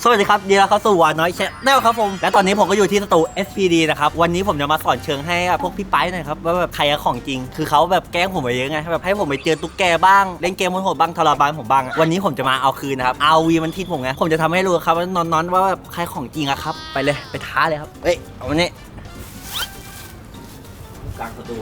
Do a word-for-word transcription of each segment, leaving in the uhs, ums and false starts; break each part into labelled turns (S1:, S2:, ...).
S1: สวัสดีครับดีแล้วเข้าสู่วาน้อยแชนแนลครับผมและตอนนี้ผมก็อยู่ที่สตู เอส พี ดี นะครับวันนี้ผมจะมาสอนเชิงให้พวกพี่ไปหน่อยครับว่าแบบใครของจริงคือเขาแบบแกล้งผมไปเยอะไงแบบให้ผมไปเจอตุ๊กแกบ้างเล่นเกมโหดๆบ้างทรมานผมบ้างวันนี้ผมจะมาเอาคืนนะครับเอาวีมันทิดผมไงผมจะทำให้รู้ครับว่านอนๆว่าแบบใครของจริงอะครับไปเลยไปท้าเลยครับเฮ้ยเอาวันนี้กลางประตู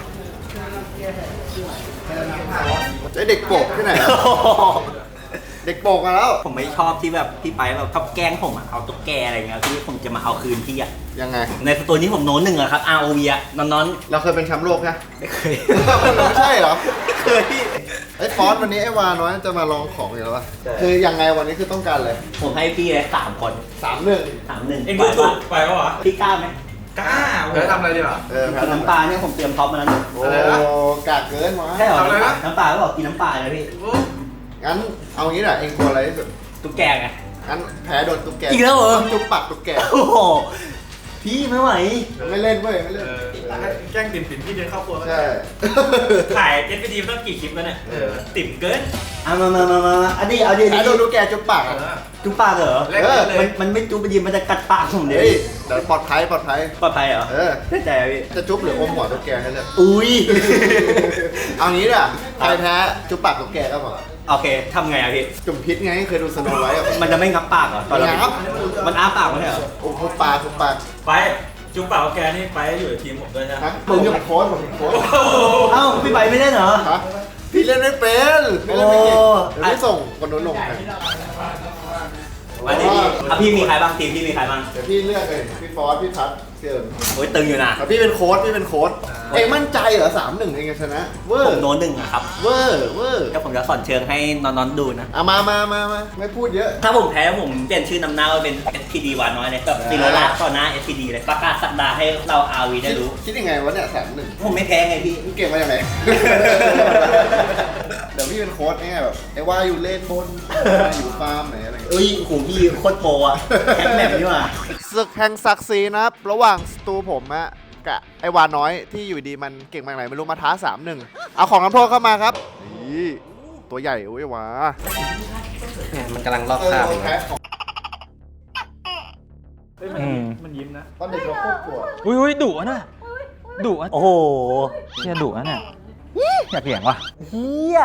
S2: ไอเด็กโปกที่ไหนอะเด็กโปกมาแล้ว
S1: ผมไม่ชอบที่แบบพี่ไปแบบชอบแกล้งผมอะเอาตุ๊กแกอะไรเงี้ยที่ผมจะมาเอาคืนพี่อะ
S2: ยังไง
S1: ในสตูนี้ผมโน้นหนึ่งอะครับ อาร์ โอ วี อะนอน
S2: ๆเราเคยเป็นแชมป์โลกนะ
S1: ไม่เคย
S2: ไม่ใช่เหรอ
S1: ไม่เคย
S2: ไอ้ฟอสวันนี้ไอ้วาน้อยจะมาลองของอยู่แล้วป่ะคือยังไงวันนี้คือต้องการเลย
S1: ผมให้พี่เลยสามคน
S2: สามหนึ่ง
S1: สามหนึ่ง
S3: เอ็งดูถูกไปปะวะ
S1: พี่กล้าไหม
S3: กล้าเออทำอะไรดีวะ
S2: เออ
S1: กินน้ำปลาเนี่ยผมเตรียมท็อปมาแล้ว
S2: โอ้กากเกินวะ
S1: ใช่เหรอน้ำปลาก็บอกกินน้ำปลาเลยพี่
S2: งั้นเอางี้แหละเองกลัวอะไรที่สุด
S1: ตุ๊กแกไง
S2: งั้นแพ้โดนตุ๊กแก
S1: อีกแล้วเหรอ
S2: จุ๊บปากตุ๊กแก
S1: โอ้โหพี่ไม่ไหว
S2: ไม่เล่นเว้ยไม่เล่น
S3: แกล้งติ่มติ่มพี่เดินเข้าครัว
S2: ใช่
S3: ถ่ายเอสพีดีต้องกี่คลิปแล้วเนี่ยติ่มเกิน
S1: อ่ะมามามามาอันนี้เอาดิ
S2: แพ้โดนตุ๊กแกจุ๊บปาก
S1: จุ๊บปากเหรอ
S2: เออ
S1: มันมันไม่จุ๊บไปยิมมันจะกัดปากผมเลย
S2: เดี๋ยวปลอดภัยปลอดภัย
S1: ปลอดภัยเหรอ
S2: เออ
S1: แน่ใจพี่
S2: จะจุ๊บหรืออมหัวตุ๊กแกให้เลย
S1: อุ้ย
S2: เอางี้ด่ะใครแพ้จุ๊บปากตุ๊กแกก็พอ
S1: โอเคทำไงอะพี่
S2: จุ่มพิษไงเคยดูสโนไวท์
S1: มันจะไม่งับปากเหรอตอนเรามันอ้าปากไม่ใช่เหรอ
S2: โอ้โหปากทุกปาก
S3: ไปจุ๊บปากแกนี่ไปอยู่ในทีมผมด้วยใช่ไหม
S2: ผมเป็นโค้ชผมเป็นโค้ช
S1: เอ้าพี่ไปไม่เล่นเหรอ
S2: พี่เล่นไม่เป็นพี่เล่นไม่เก่งเดี๋ยวพี่ส่งคนนู้นลง
S1: วันนี้พี่มีใครบ้างทีมพี่มีใครบ้าง
S2: เดี๋ยวพี่เลือกเลยพี่ฟอสพี่ทัศน์เชิญ
S1: โอ้ยตึงอยู่นะ
S2: พี่เป็นโค้ชพี่เป็นโค้ชเองมั่นใจเหรอสามหนึ่งเองชนะเวอร์
S1: ผมโน้นหนึ่งครับ
S2: เวอร์เวอร์
S1: ก็ผมจะสอนเชิงให้นอนๆดูนะ
S2: อ่ะมามามามาไม่พูดเยอะ
S1: ถ้าผมแพ้ผมเปลี่ยนชื่อนำหน้าเป็น เอส พี ดี วาน้อยเลยแบบซีโรล่าต่อหน้า เอส พี ดี เลยประกาศสักดาให้เรา อาร์ วี ได้รู้
S2: คิดยังไงวะเนี่ยสามหนึ่ง
S1: ผมไม่แพ้ไงพี่
S2: เก่งมาจากไหนเดี๋ยวพี่เป็นโค้ชเนี่ยแบบไอ้ว่าอยู่เล่นบนอยู่ฟาร์มไหนอะไร
S1: เอ้ยโหพี่โคตรโปรอะแข็งแบบนี้ว่ะ
S2: ศึกแห่งศักดิ์ศรีนะครับระหว่างสตูผมอะกับไอ้วาน้อยที่อยู่ดีมันเก่งมาไหนไม่รู้มาท้าสามหนึ่งเอาของน้ำโทษเข้ามาครับนี่ตัวใหญ่โอ้ยวา
S1: มันกำลังลอกคราบ
S3: มันยิ้มนะ
S2: ตอนเด็กเราโคตรกลัว
S4: อุ้ยอุ้ยดุนะดุอ่ะ
S1: โอ้โห
S4: เฮียดุนะเนี่ยอยากเถียงว่ะ
S1: เฮีย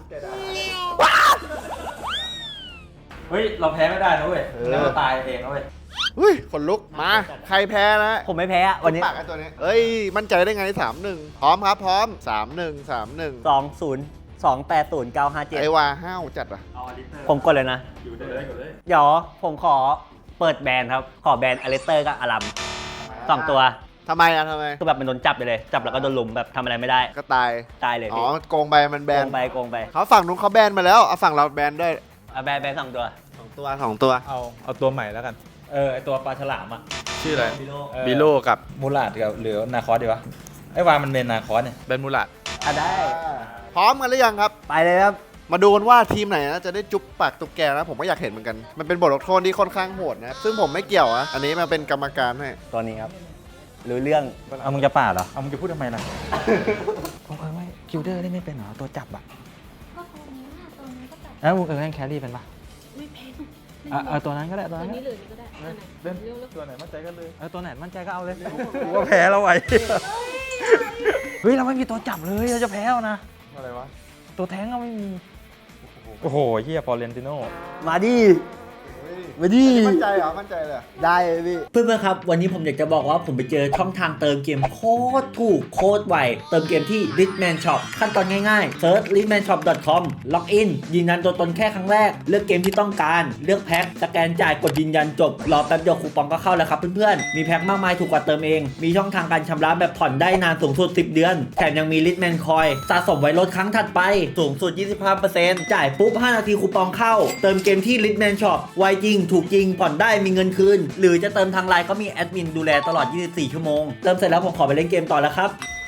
S3: เฮ้ยเราแพ้ไม่ได้นะเว้ยเราตายเองนะเว้ย
S2: เฮ้ยขนลุกมาใครแพ้นะ
S1: ผมไม่แพ้วันนี้
S2: ปากไอ้ตัวนี้เอ้ยมั่นใจได้ไงสามหนึ่งพร้อมครับพร้อมสามหนึ่งสามหนึ่ง
S1: สองศูนย์สองแปดศูนย์เก้าห้าเจ็ด
S2: ไอ้วาห้าวจัดอ่ะ
S1: ผมกดเลยนะ
S3: อยู่ได้เลยกดเลย
S1: เดี๋ยวผมขอเปิดแบนครับขอแบนอเลสเตอร์กับอารัมสองตัว
S2: ทำไมอ่ะทำไม
S1: คือแบบมันโดนจับไปเลยจับแล้วก็โดนลุมแบบทำอะไรไม่ได้
S2: ก็ตาย
S1: ตายเลย
S2: อ๋อโกงไปมันแบน
S1: โกงไปโกงไป
S2: เขาฝั่งนู้นเขาแบนมาแล้วเอาฝั่งเราแบนด้วย
S1: เอาแบนแบนสองตัว
S2: สองตัวสองตัว
S4: เอาเอาตัวใหม่แล้วกัน
S3: เออไอตัวปลาฉลามอ่ะ
S4: ชื่ออะไร
S3: บิโล
S4: กับมูลาดกับหรือนาคอสดีวะไอ้วามันเป็นนาคอสเนี่ยเป็นมูลาด
S1: อ่ะได้
S2: พร้อมกันหรือยังครับ
S1: ไปเลยครับ
S2: มาดูกันว่าทีมไหนนะจะได้จุ๊บปากตุ๊กแกนะผมก็อยากเห็นเหมือนกันมันเป็นบทลงโทษที่ค่อนข้างโหดนะซึ่งผมไม่เกี่ยวอะอันนี้มาเป็นกรรมการให้
S1: ตัวนี้ครับรู้เรื่อง
S4: เอามึงจะป่าเหรอเอามึงจะพูดทำไมล่ะผมเคยไม่คิวเดอร์เล่นไม่เป็นเหรอตัวจับอะ
S5: ก็ตัวนี้ตัวนี้ก็จับ
S4: แล้วมึงเออเล่นแครี่เป็นปะ
S5: ไม่เป็น
S4: อ่ะเออตัวนั้นก็ได้ตัวนั้น
S5: นี้เลยก็ได้
S4: เล่นตัวไหนมั่นใจก็เลยเออตัวไหนมั่นใจก็เอาเลยกูว่าแพ้แล้วไว้เฮ้ยเราไม่มีตัวจับเลยเราจะแพ้แล้วนะ
S2: อะไรวะ
S4: ตัวแท้งก็ไม่มีโอ้โหเฮียฟอร์เรนติโน
S1: มาดิมาดิ
S2: มั่นใจเหรอมั่นใจเลย
S1: ได้เลยพี่เพื่อนๆครับวันนี้ผมอยากจะบอกว่าผมไปเจอช่องทางเติมเกมโคตรถูกโคตรไวเติมเกมที่ Litman Shop ขั้นตอนง่ายๆ search litman shop dot com ล็อกอินยืนยันตัวตนแค่ครั้งแรกเลือกเกมที่ต้องการเลือกแพ็คสแกนจ่ายกดยืนยันจบรอแป๊บเดียวคูปองก็เข้าแล้วครับเพื่อนๆมีแพ็คมากมายถูกกว่าเติมเองมีช่องทางการชำระแบบผ่อนได้นานสูงสุดสิบเดือนแถมยังมี Litman Coin สะสมไว้ลดครั้งถัดไปสูงสุด ยี่สิบห้าเปอร์เซ็นต์ จ่ายปุ๊บห้านาทีคูปองเข้าเติมเกมที่ Litman Shop ไวจริงถูกจริงผ่อนได้มีเงินคืนหรือจะเติมทางไลน์ก็มีแอดมินดูแลตลอดยี่สิบสี่ชั่วโมงเติมเสร็จแล้วผมขอไปเล่นเกมต่อแล้วครับ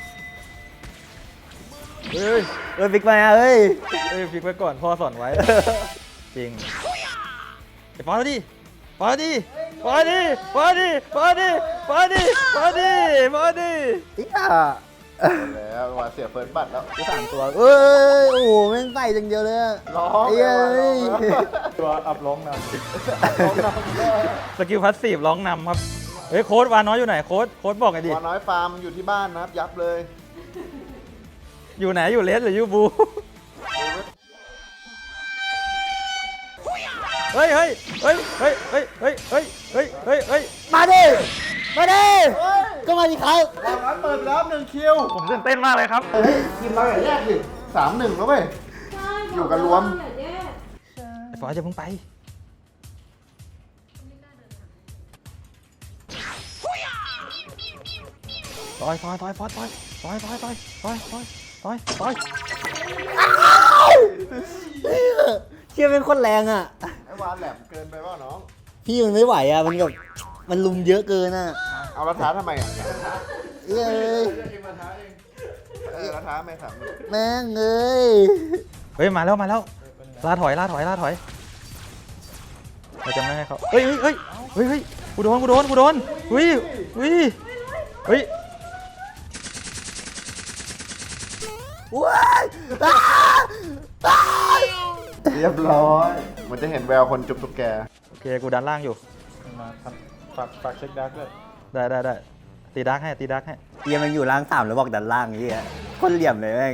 S4: เฮ้ย
S1: เฮ้ยฟิกมาเฮ้ย
S4: เฮ้ยฟิกไว้ก่อนพ่อสอนไว้จริงไปฟอดิฟอดิฟอดิฟอดิฟอดิฟอดิฟอดิฟอดิ
S1: อีอ่ะ
S2: แล้ววาเสียเฟิร์สบัตรแล้ว
S1: สามตัวเอ้ยโอ้โหแม่งใส่จังเดียวเลยอะ
S2: ร้อง
S1: เอ้ย
S4: ตัวอัพร้องนำสกิลพาสซีฟร้องนำครับเฮ้ยโค้ดวาน้อยอยู่ไหนโค้ดโค้ดบอกไงดิ
S2: วาน้อยฟาร์มอยู่ที่บ้านนะครับยับเลย
S4: อยู่ไหนอยู่เลสหรือยูบูเฮ้ยเฮ้ยเฮ้ยเฮ้ยเฮ้ยเฮ้ยเฮ้ยเฮ้ยเฮ้ยเฮ้ย
S1: มาดิมาดิก็มาดิครับ
S2: วาน้อยเปิดแล้วหนึ่งคิว
S4: ผมตื่นเต้นมากเลยครับ
S2: เฮ้ยทีมเราอย่าแยกดิสามหนึ่งแล้วเว้ย
S5: ใช่
S2: อยู่กันรวม
S5: อย่าแยก
S4: ไอ้ฟอสจะเพิ่งไปฟอยฟอยฟอยฟอยฟอยฟอยฟอยฟอยฟอยฟอยฟอยฟอย
S1: เชี่ยเป็นคนแรงอ่ะ
S2: ไอ้วานแหลมเกินไปว่าน้อง
S1: พี่มันไม่ไหวอ่ะมันแบบมันลุมเยอะเกินอ่ะ
S2: เอาละท้าทำไมอ่ะ
S1: เอ้ย
S2: เออละท้าไม่ถาม
S1: แม่งเอ้ย
S4: เฮ้ยมาแล้วมาแล้วลาถอยลาถอยลาถอยเราจะไม่ให้เขาเฮ้ยเฮ้ยเฮ้ยเฮ้ยกูโดนกูโดนกูโดนเฮ้ยเฮ้ยเฮ้ย
S1: ว้ายอ้าอ้า
S2: เรียบร้อย มันจะเห็นแววคนจุบตุ๊กแก
S4: โอเคกูดันล่างอยู่
S3: มาทำฝากฝากเช็คดาร์กด้วย
S4: ได้ได้ได้ตีดักให้ตีดักให้
S1: เฮียมันอยู่ล่างสามแล้วบอกดันล่างอย่างเงี้ยคนเหลี่ยมเลยแม่ง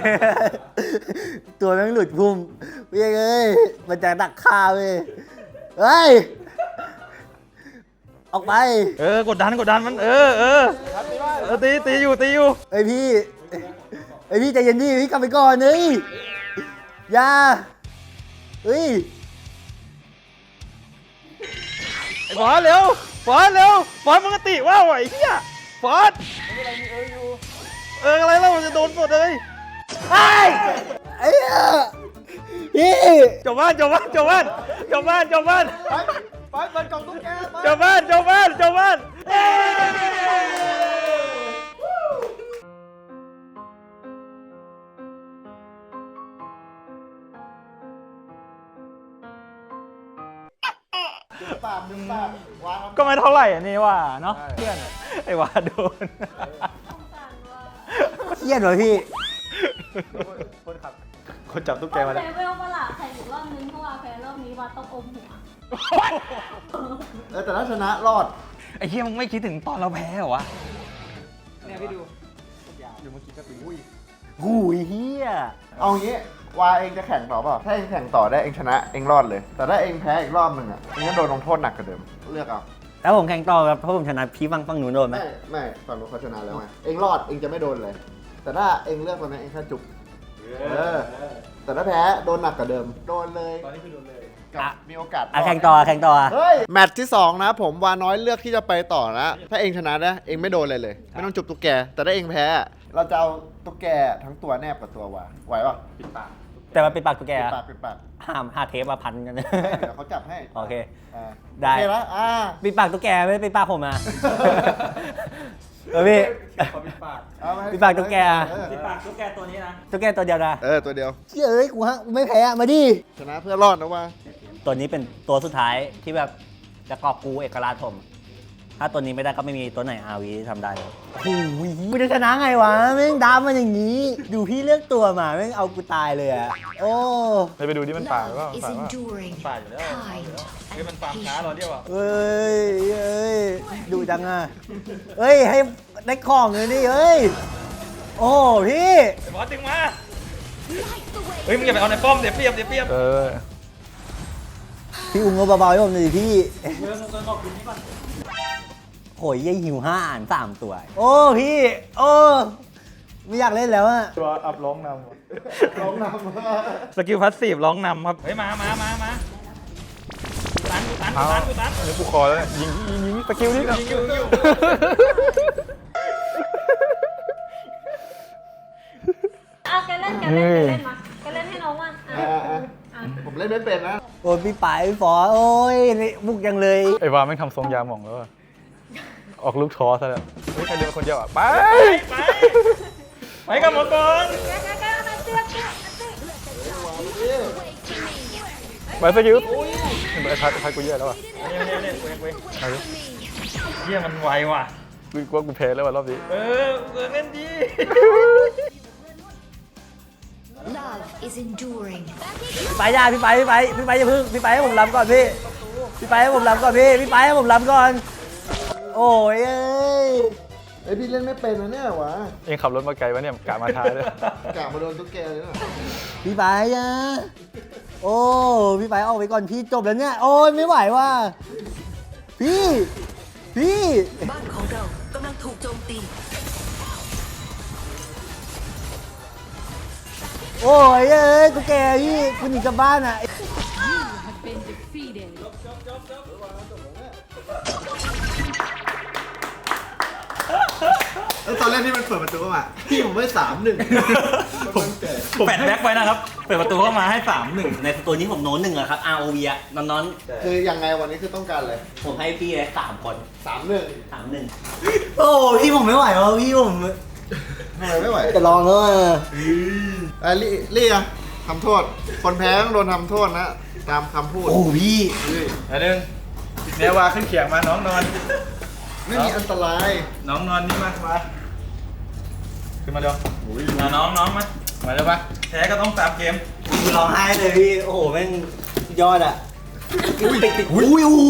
S1: ตัวแม่งหลุดพุ่มเฮ้ยเอ้ยมันจะดักฆ่าเว้ยเฮ้ยออกไป
S4: เออกดดันกดดันมันเออเออเออตีตีอยู่ตีอยู่
S1: เอ้ยพี่เอ้ยพี่ใจเย็นดิพี่กลับไปก่อนเฮ้ยอย่าเฮ้ย
S4: ไอ้ฟอสเร็วฟอสเร็วฟอสมึงก็ติว่าวไอ้เหี้ยฟอสเอออะไรแล้วมันจะโดนหมดเลย
S1: ไอ้ไอ้เหี้ยพี่
S4: จบบ้านจบบ้านจบบ้านจบบ้านจบบ้าน
S2: ไปไปเปิดกล่องตุ๊กแกไป
S4: จบบ้านจบบ้านจบบ้าน
S2: ปากมึงปากวาง
S4: ก็ไม่เท่าไหร่อันนี้ว่าเนาะเพื่อนไอ้ว่าโดน
S1: เครียดวะพี่
S3: คนขับคนจับตุ๊กแกมาแล้ว
S5: เลเวลประหลาดใส่อีกรอบนึงเพราะว่าแพ้รอบนี้ว่าต้องอมหัว
S2: เออแต่ถ้าชนะรอด
S4: ไอ้เหี้ยมึงไม่คิดถึงตอนเราแพ้เหรอวะ
S3: เนี่ยพี่ดูอยู่เมื่อกี้ก็ตีอุ้ย
S1: หูยเฮีย
S2: เอางี้วาเองจะแข่งต่อเปล่าถ้าเองแข่งต่อได้เองชนะเองรอดเลย แต่ถ้าเองแพ้อีกรอบหนึ่งอ่ะเองก็โดนลงโทษหนักกว่าเดิมเลือกเอา
S1: แล้วผมแข่งต่อครับเพราะผมชนะพี่ฟังฟังหนูโดนไหม
S2: ไม่ไม่ฝั่งนู้นเขาชนะแล้วไงเองรอดเองจะไม่โดนเลย แต่ถ้าเองเลือกตอนนี้เองแค่จุกเออแต่ถ้าแพ้โดนหนักกว่าเดิมโดนเลย
S3: ตอนนี้คือโดนเลย
S2: กับมีโอกาส
S1: อ่ะแข่งต่อแข่งต่อ
S2: เฮ้ยแมตช์ที่สองนะผมวาน้อยเลือกที่จะไปต่อนะถ้าเองชนะนะเองไม่โดนเลยเลย ไม่ต้องจุบตุ๊กแก แต่ถ้าเองแพ้ เราจะเอาตุ๊กแกทั้งตัวแนบกับตัววาไหวป่ะ
S3: ปิดปาก
S1: แต่มันเป็นปากตุ๊กแก
S2: ปิด
S1: อะ
S2: ปากปิดปาก
S1: ห้ามห้าเทปมาพันกัน
S2: เดี๋ยวเขาจับให้
S1: โอเค
S2: อ่า
S1: ได้
S2: โอเคแล้วอ่า
S1: ปิดปากตุ๊กแกไม่ได้ปิดปากผมอ่ะ เออพี่
S3: ขอปิดปาก
S2: เอามาให้
S1: ปิดปากตุ๊กแก
S2: เออ
S3: ปิดปากตุ๊กแกตัวนี้นะ
S1: ตุ๊กแกตัวเดียวนะ
S2: เออตัวเดียว
S1: เชื่อเอ้ยกูฮะกูไม่แพ้อะมาดิ
S2: ชนะเพื่อรอดนะว่า
S1: ตัวนี้เป็นตัวสุดท้ายที่แบบจะกอบกูเอกราชผม ถ้าตัวนี้ไม่ได้ก็ไม่มีตัวไหนอาวีทำได้เลยโอ้โหกูจะชนะไงวะแม่งดามันอย่างนี้ ดูพี่เลือกตัวมาแม่งเอากูตายเลยอะโอ้
S4: ไปดูที่มันป่าหรือเปล่า
S6: Love is enduring,
S3: ป่าอยู่แล้ว
S6: kind,
S3: เฮ้ยมัน
S6: and
S3: ฟาร์มช้า
S6: patient.
S3: เราเดียวอ่ะ
S1: เอ้ยเอ้ยดูจังอะเอ้ยให้ได้ของเลยดิเอ้ยโอ้พี่
S3: ไอ้บอสดึงมาเฮ้ยมึงอย่าไปเอาในป้อมเดี๋ยวเปรียบเดี๋ยวเปรียบ
S4: เออ
S1: พี่อุ้งก็เบาๆให้ผมหน่อยดิพี่
S3: เดี๋ยวมึงเดินออกอยู่นี่ก่อน
S1: โหยยี่หิวห้าอ่านสามตัว โอ้พี่ โอ้ไม่อยากเล่นแล้วอะ
S4: ตัวอัพร้องน
S2: ร้องนำ
S4: ำสกิลพาสซีฟร้องนำครับ
S3: เฮ้ยมามามามากูตันกูตันกูตันกูตัน
S4: อันนี้กูคอแล้วยิงยิงยิงสกิลนี่
S3: ยิงอยู่ยิงอยู่
S5: อ่ะแกเล่นแกเล่นแกเล่นมาแกเล่นให้น้องว่างอ่ะ
S2: อ่าอ่า
S5: อ่ะ
S2: ผมเล่นไม่เป็นนะ
S1: โอ้ยพี่ป๋ายพี่ฝอโอ้ยบุกยังเลย
S4: ไอ้วาไม่งทำทรงยาหม่องแล้วอะออกลูกท้อซะแล้วเฮ้ยใครเดินคนเดียวอ่ะไป
S3: ไปไปกับหมอก่อน
S5: แกแกแกเอามาเสื้อเสื้อเสื้อ
S4: ไปสกิลไอ้พัดพัดกูเยอะแล้วอ่ะ
S3: เนี่ยเนี่ยเนี่ยเว้ยเว้ย
S4: เอาดิ
S3: เฮียมันไวว่ะ
S4: กูกลัวกูแพ้แล้วว่ะรอบนี้
S3: เออเออเล่นดี
S6: Love is enduring.
S1: พี่ไปย่าพี่ไปพี่ไปพี่ไปอย่าพึ่งพี่ไปให้ผมรำก่อนพี่พี่ไปให้ผมรำก่อนพี่พี่ไปให้ผมรำก่อนโอ้ยเอ้ย
S2: ไอพี่เล่นไม่เป็นนะเนี่ยวะ
S4: เองขับรถมาไกลวะเนี่ยกะมาท้ายเลย
S2: กะมาโดนตุ๊กแกเลยนะ
S1: พี่ไปอ่ะโอ้พี่ไปออกไปก่อนพี่จบแล้วเนี่ยโอ้ยไม่ไหวว่ะพี่พี่
S6: บ้านของเรากำลังถูกโจมตี
S1: โอ้ยเอ้ยกูแกพี่กูหนีกลับบ้านอ่ะ
S2: แล้วตอนแรกที่มันเปิดประตูเข้ามาพี่ผมไม่สามหนึ่ง
S3: ผมผมแปดแบ็คไว้นะครับ เปิดประตูเข้ามาให้สามหนึ่ง
S1: ในสตัวนี้ผมโน้นหนึ่งอะครับ อาร์ โอ วี อะนอนนอน
S2: คือยังไงวันนี้คือต้องการเลย
S1: ๆผมให้พี่เลยสามคน
S2: สามหนึ่ง
S1: สามหนึ่งโอ้พี่ผมไม่ไหวแล้วพี่ผม
S2: ทำไมไม่ไหว
S1: จะลองแล้วอะ
S2: อ่ะลี่ลี่อะทำโทษ คนแพ้ต้องโดนทำโทษนะ ตามคำพูด
S1: โอ้พี่
S3: อันหนึ่งแนววาขึ้นเขียงมาน้องนอน
S2: ไม่มีอันตราย
S3: น้องนอนนี่มามาขึ้นมาเร็วมาน้องน้องมามาเร็วปะแพ้ก็ต้องตามเกม
S1: กูร้องไห้เลยพี่โอ้โหแม่งยอดอะติดติดอุ้ยโอ้โห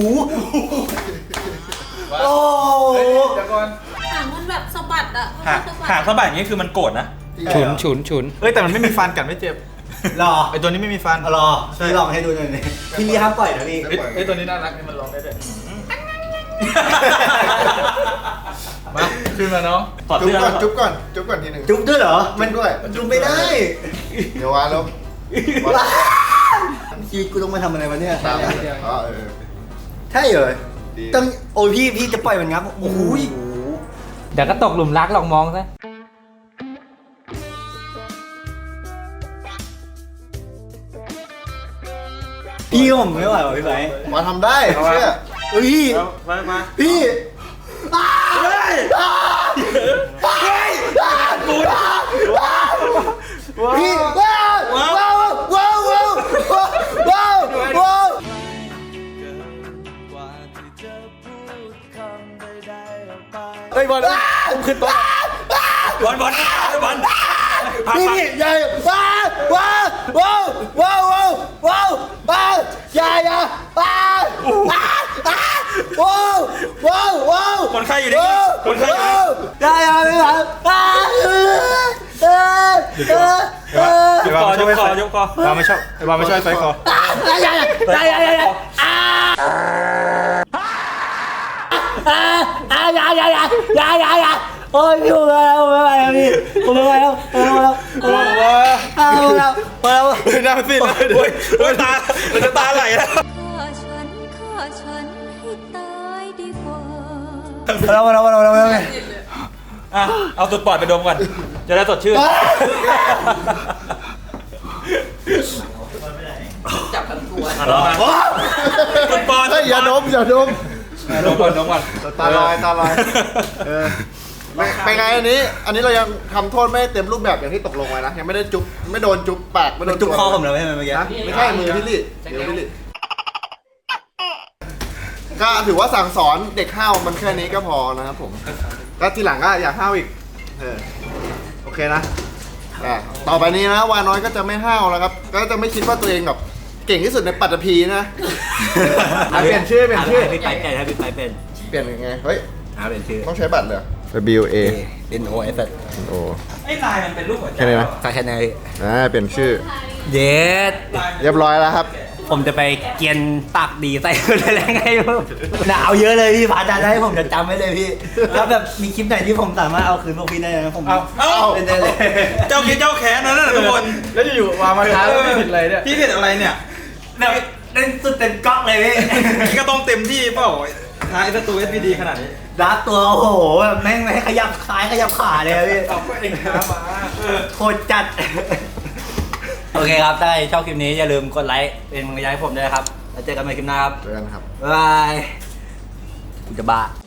S1: โอ้
S3: เฮ้ยเดี๋ยวก่อน
S5: หางมันแบบสะบัดอะ
S3: หาง
S5: สะบัด
S3: หางสะบัดอย่างนี้คือมันโกรธนะ
S2: ฉุน
S4: ฉุนฉุน
S3: เอ้ยแต่มันไม่มีฟันกัดไม่เจ็บ
S1: รอ
S3: ไอตัวนี้ไม่มีฟัน
S1: รอพี่ลองให้ดูหน่อยนี่พี่ลีห้ามปล่อยนะพี่
S3: เอ้ยเอ้ยตัวนี้น่ารักนี่มันร้องได้ด้วยมาขึ้นมาน้องถอด
S2: จุ๊บ
S3: เสื้อ
S2: ก่อนจุ๊บก่อนจุ๊บก่อนทีหนึ่ง
S1: จุ๊บด้วยเหรอ มัน
S2: จุ๊บด้วย
S1: จุ๊บไม่ได้
S2: เดี๋ยววาแล้ว
S1: ชีวิตกูต้องมาทำอะไรวะเนี่ย
S2: ตามอ๋อเออ
S1: ใช่เหรอ
S2: ดี
S1: ต้องโอ้ยพี่พี่จะปล่อยมันงับโอ้ย
S7: เดี๋ยวก็ตกหลุมรักลองมองซะ
S1: พี่ผมไม่ไหวว่ะพี่ไบร์ท
S2: มาทำได้เชื่อ
S1: เฮ้ย
S3: เอามามา
S1: พี่อ้าเฮ้ยอ้าเฮ้ยอ้ากูพี่ว้าวว้าวว้าวว้าวว้าวว้าวว้าวเฮ้ยบอลผมขึ้นโต๊ะ
S3: บอลบอลบอล
S1: พี่พี่อย่าว้าวว้าวว้าวว้าวว้าวว้าวว้าวอย่าอย่าว้าวว้าวว้าวว้าวว้าว
S3: คนไข้อยู่นี่คนไข้อยู่นี่
S1: อย่าอย่าไม่ไหวว้าวเออเออเออเออย
S3: กคอยกคอยกคอเราไม่ชอบไอ้บอลไม่ชอบไฟคอ
S1: อย่าอย่าอย่าอย่าอย่าอย่าอ่าอ่าอย่าอย่าอย่าอย่าอย่าอย่าโอ้ยพี่ผมไม่ไหวแล้วพี่ผมไม่ไหวแล้วผมไม่ไหวแล้วผมไม่ไหวแล้วผมไม่ไหวแล้วผมไม่ไหวแล้ว
S3: หน้าซีดเลยโอ้ยโอ้ยตามันจะตาไหลแล้ว
S6: ฆ่าฉันฆ่าฉันให้ตายดีกว่า
S1: เราเราเราเราเรา
S3: อ่ะเอาตุดปอดไปดมก่อนจะได้สดชื่น
S7: จับทั้งตัว
S3: อ่ะลองมาตุดปอด
S2: เฮ้ยอย่าดมอย่าดม
S3: ดมก่อนดมก่อน
S2: ตาลอยตาลอยเออไม่เป็นไงอันนี้ อันนี้เรายังทำโทษไม่เต็มรูปแบบอย่างที่ตกลงไว้นะยังไม่ได้จุ๊บไม่โดนจุ๊บปากไม่โดน
S1: จุกคอผมเลยเมื่อกี้
S2: นะไม่ใช่มือพี่ลี่เดี๋ยวพี่ลี่ก็ถือว่าสั่งสอนเด็กห้าวมันแค่นี้ก็พอนะครับผมก็ทีหลังก็อย่าห้าวอีกเออโอเคนะอ่ะต่อไปนี้นะวาน้อยก็จะไม่ห้าวแล้วครับ ก็จะไม่คิดว่าตัวเองแบบเก่งที่สุดในปัตตภีนะอ่ะเปลี่ยนชื่อเปลี่ยนชื่อ
S1: พี่ไปเป็นถ้าพี่ไปเป็น
S2: เปลี่ยนยังไงเฮ้ย
S1: หาเป็นชื่อ
S2: ต้องใช้บัตรเลย W A
S1: N O S
S2: โอ้
S3: ไอ้ลายมันเป็นรูปหัวใจ
S2: แค่นี้นะ
S1: ใครแค่ไหน
S2: อ่าเปลี่ยนชื่อ
S1: เย็ด
S2: เรียบร้อยแล้วครับ
S1: ผมจะไปเกียนปากดีใส่คนอะไรไงหนาวเยอะเลยพี่พาจารย์ให้ผมจะจำไว้เลยพี่ถ้าแบบมีคลิปไหนที่ผมสามารถเอาคืนพวกพี่ได้นะผม
S3: เอาเอา
S1: เป็นได้เลย
S3: เจ้าคิดเจ้าแค้นนั่นน่ะทุกคน
S4: แล้วอยู่ๆมามาท้าแล้วไม่ผิดอะไรเนี่ย
S3: พี่ผิดอะไรเนี่ย
S1: แบบเล่นสุดเต็มก๊อกเลยพี่
S3: พี่ก็ต้องเต็มที่เปล่าท้ายสตูเอสพีดีขนาดนี้
S1: รัดตัวโอ้โหแบบแม่งไม่ให้ขยับซ้ายขยับขาเลยอะพี่
S3: เอาก็เองนะมา
S1: โคตรจัด โอเคครับถ้าใครชอบคลิปนี้อย่าลืมกดไลค์เป็นกำลังใจให้ผมด้วยนะครับแล้วเจอกันใหม่คลิปหน้าครับ
S2: เจอกันครับ
S1: บ๊ายบายกูจะบ้า